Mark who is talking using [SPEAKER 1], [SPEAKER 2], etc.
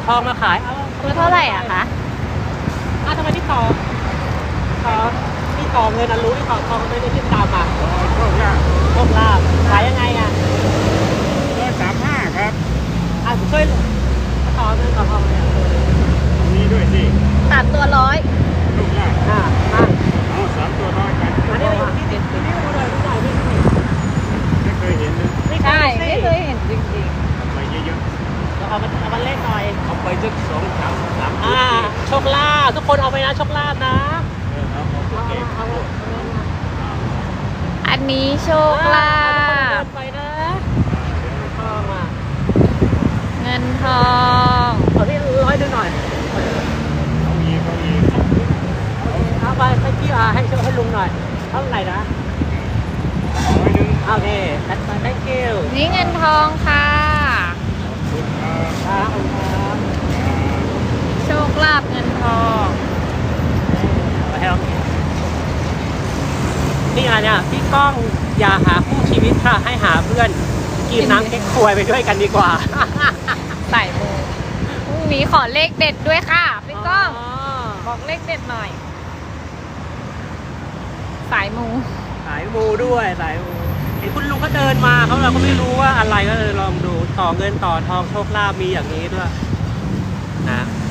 [SPEAKER 1] ทองมาขาย
[SPEAKER 2] ตัวเท่าไหร่อะคะ
[SPEAKER 1] ทำไมที่ต่อเงินรู้ที่ต่อทองไม่ได้ที่ตามมา
[SPEAKER 3] โชคลาภ
[SPEAKER 1] โชคลาภขายยังไงอ่ะ
[SPEAKER 3] 135ครับ
[SPEAKER 1] ผมช่วยต่อเงินต่อทองเนี่ย
[SPEAKER 3] มีด้วยสิ
[SPEAKER 2] ตัดตัว100
[SPEAKER 3] โชคลาภ เอา3ตัวร้อยกัน
[SPEAKER 1] อันนี้เราอยู่ที่ติดที่นี่ดูหน่อยไม่
[SPEAKER 3] ไม่เคยเห็นนะ
[SPEAKER 2] ใช่ไม่เคยเห็นจริง
[SPEAKER 3] ทำไปเยอะ
[SPEAKER 1] เอามาเล่นหน่อย
[SPEAKER 3] ๆเอาไปสัก2-3ชุด
[SPEAKER 1] โชคลาภทุกคนเอาไปนะโชคลาภนะ
[SPEAKER 3] เอาเก็บ
[SPEAKER 2] ๆ อันนี้โชคลาภ
[SPEAKER 1] ไปนะทองอ่ะ
[SPEAKER 2] เงินทอง
[SPEAKER 1] ขอที่100หน่อย
[SPEAKER 3] เอาอีก
[SPEAKER 1] เอาไปให้พี่ให้ลุงหน่อยเท่าไหร่นะ
[SPEAKER 3] 100
[SPEAKER 1] โอเคthat's my thank you
[SPEAKER 2] นี่เงินทองค่ะ
[SPEAKER 3] คุณครับ
[SPEAKER 1] ครับ
[SPEAKER 2] โชคลาภเงินทอง
[SPEAKER 1] ไปให้เรานี่ไงเนี่ยพี่ก้องอย่าหาคู่ชีวิตค่ะให้หาเพื่อนกินน้ำเก๊กควยไปด้วยกันดีกว่า
[SPEAKER 2] ใส่มูพรุ่งนี้ขอเลขเด็ดด้วยค่ะพี่ก้องบอกเลขเด็ดหน่อย สายมู
[SPEAKER 1] สายมูด้วยสายมูเห็นคุณลุงก็เดินมาเราก็ไม่รู้ว่าอะไรก็เลยลองดูต่อเงินต่อทองโชคลาภมีอย่างนี้ด้วยนะ